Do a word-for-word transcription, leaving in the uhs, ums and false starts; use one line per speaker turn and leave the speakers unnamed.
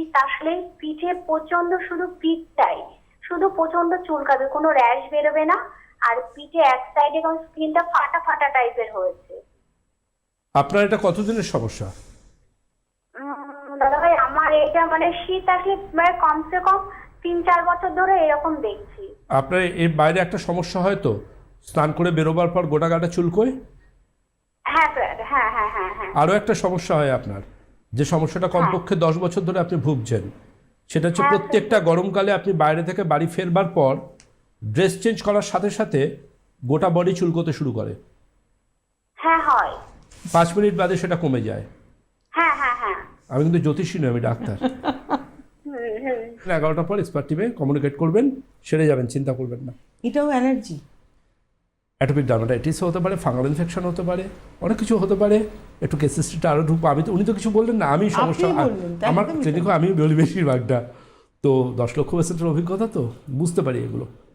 শীত আসলে পিঠে প্রচন্ড, শুধু পিঠটাই শুধু প্রচন্ড চুলকাবে, কোনো র্যাশ বেরোবে না। আর পিঠে এক সাইডে স্কিনটা ফাটা ফাটা টাইপের হয়েছে।
আপনার এটা কতদিনের সমস্যা?
দাদা ভাই আমার এটা মানে শীত আসলে মানে কমসে কম তিন চার বছর ধরে এরকম দেখছি।
আপনার এর বাইরে একটা সমস্যা হয় তো, স্নান করে বেরোবার পর গোটা গাটা চুলকোয়?
হ্যাঁ স্যার, হ্যাঁ হ্যাঁ হ্যাঁ হ্যাঁ।
আরও একটা সমস্যা হয় আপনার, যে সমস্যাটা কমপক্ষে দশ বছর ধরে আপনি ভুগছেন, সেটা হচ্ছে
হ্যাঁ,
প্রত্যেকটা গরমকালে আপনি বাইরে থেকে বাড়ি ফেরবার পর ড্রেস চেঞ্জ করার সাথে সাথে গোটা বডি চুলকোতে শুরু করে।
হ্যাঁ হয়।
পাঁচ মিনিট বাদে সেটা কমে যায়।
হ্যাঁ হ্যাঁ হ্যাঁ।
আমি কিন্তু জ্যোতিষী নই, আমি ডাক্তার।
হুম হুম।
এগারোটার পর এক্সপার্ট টিমে কমিউনিকেট করবেন, সেরে যাবেন, চিন্তা করবেন না।
এটাও অ্যালার্জি?
অ্যাটোপিক ডার্মাটাইটিসও হতে পারে, ফাঙ্গাল ইনফেকশন হতে পারে, অনেক কিছু হতে পারে। একটু কেসিসটা আরও ঢুকবো। আমি তো, উনি তো কিছু বললেন না, আমি সমস্যা
আপনি বললেন, তাই
আমার
একদমই
ক্লিনিকও আমি বলি বেশিরভাগটা। তো দশ লক্ষ পেশেন্টের অভিজ্ঞতা, তো বুঝতে পারি এগুলো।